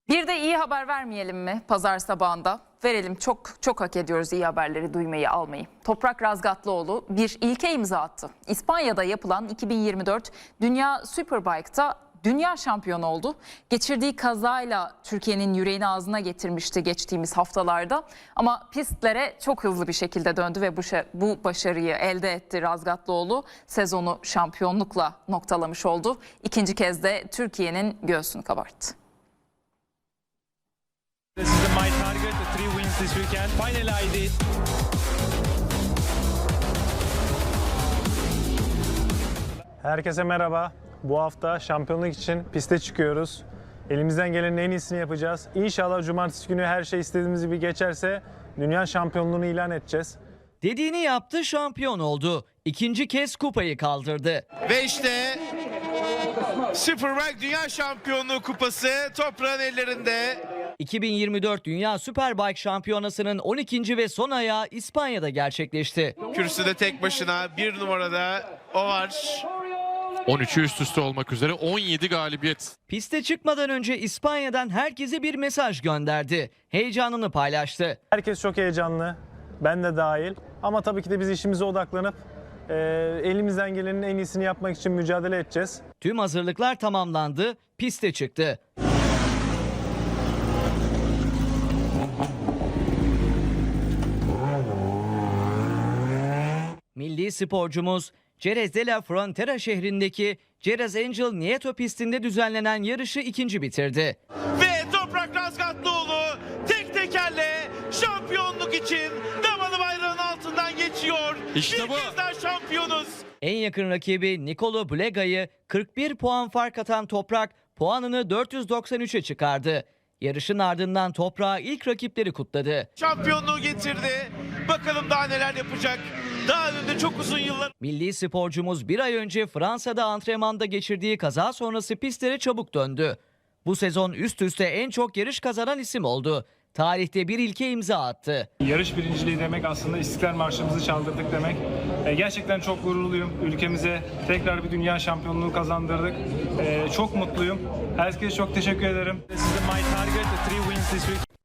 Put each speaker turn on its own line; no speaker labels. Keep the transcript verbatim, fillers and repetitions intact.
Bir de iyi haber vermeyelim mi pazar sabahında? Verelim, çok çok hak ediyoruz iyi haberleri duymayı, almayı. Toprak Razgatlıoğlu bir ilke imza attı. İspanya'da yapılan iki bin yirmi dört Dünya Superbike'ta dünya şampiyonu oldu. Geçirdiği kazayla Türkiye'nin yüreğini ağzına getirmişti geçtiğimiz haftalarda. Ama pistlere çok hızlı bir şekilde döndü ve bu, bu başarıyı elde etti Razgatlıoğlu. Sezonu şampiyonlukla noktalamış oldu. İkinci kez de Türkiye'nin göğsünü kabarttı.
This is my target, three wins this weekend. Finally I did.
Herkese merhaba. Bu hafta şampiyonluk için piste çıkıyoruz. Elimizden gelenin en iyisini yapacağız. İnşallah cumartesi günü her şey istediğimiz gibi geçerse dünya şampiyonluğunu ilan edeceğiz.
Dediğini yaptı, şampiyon oldu. İkinci kez kupayı kaldırdı.
Ve işte Superbike Dünya Şampiyonluğu kupası toprağın ellerinde.
iki bin yirmi dört Dünya Superbike Şampiyonası'nın on ikinci ve son ayağı İspanya'da gerçekleşti.
Kürsüde tek başına bir numarada o var.
on üçü üst üste olmak üzere on yedi galibiyet.
Piste çıkmadan önce İspanya'dan herkese bir mesaj gönderdi. Heyecanını paylaştı.
Herkes çok heyecanlı. Ben de dahil. Ama tabii ki de biz işimize odaklanıp e, elimizden gelenin en iyisini yapmak için mücadele edeceğiz.
Tüm hazırlıklar tamamlandı, piste çıktı. Milli sporcumuz Jerez de la Frontera şehrindeki Jerez Angel Nieto pistinde düzenlenen yarışı ikinci bitirdi.
Ve Toprak Razgatlıoğlu tek tekerle şampiyonluk için damalı bayrağın altından geçiyor.
İşte
bir
bu.
kez daha şampiyonuz.
En yakın rakibi Nicolo Blega'yı kırk bir puan fark atan Toprak puanını dört yüz doksan üçe çıkardı. Yarışın ardından Toprak'ı ilk rakipleri kutladı.
Şampiyonluğu getirdi. Bakalım daha neler yapacak. Daha önünde çok uzun yıllar.
Milli sporcumuz bir ay önce Fransa'da antrenmanda geçirdiği kaza sonrası pistlere çabuk döndü. Bu sezon üst üste en çok yarış kazanan isim oldu. Tarihte bir ilke imza attı.
Yarış birinciliği demek aslında İstiklal Marşımızı çaldırdık demek. E, gerçekten çok gururluyum. Ülkemize tekrar bir dünya şampiyonluğu kazandırdık. E, çok mutluyum. Herkese çok teşekkür ederim.
This is my target, three wins this weekend.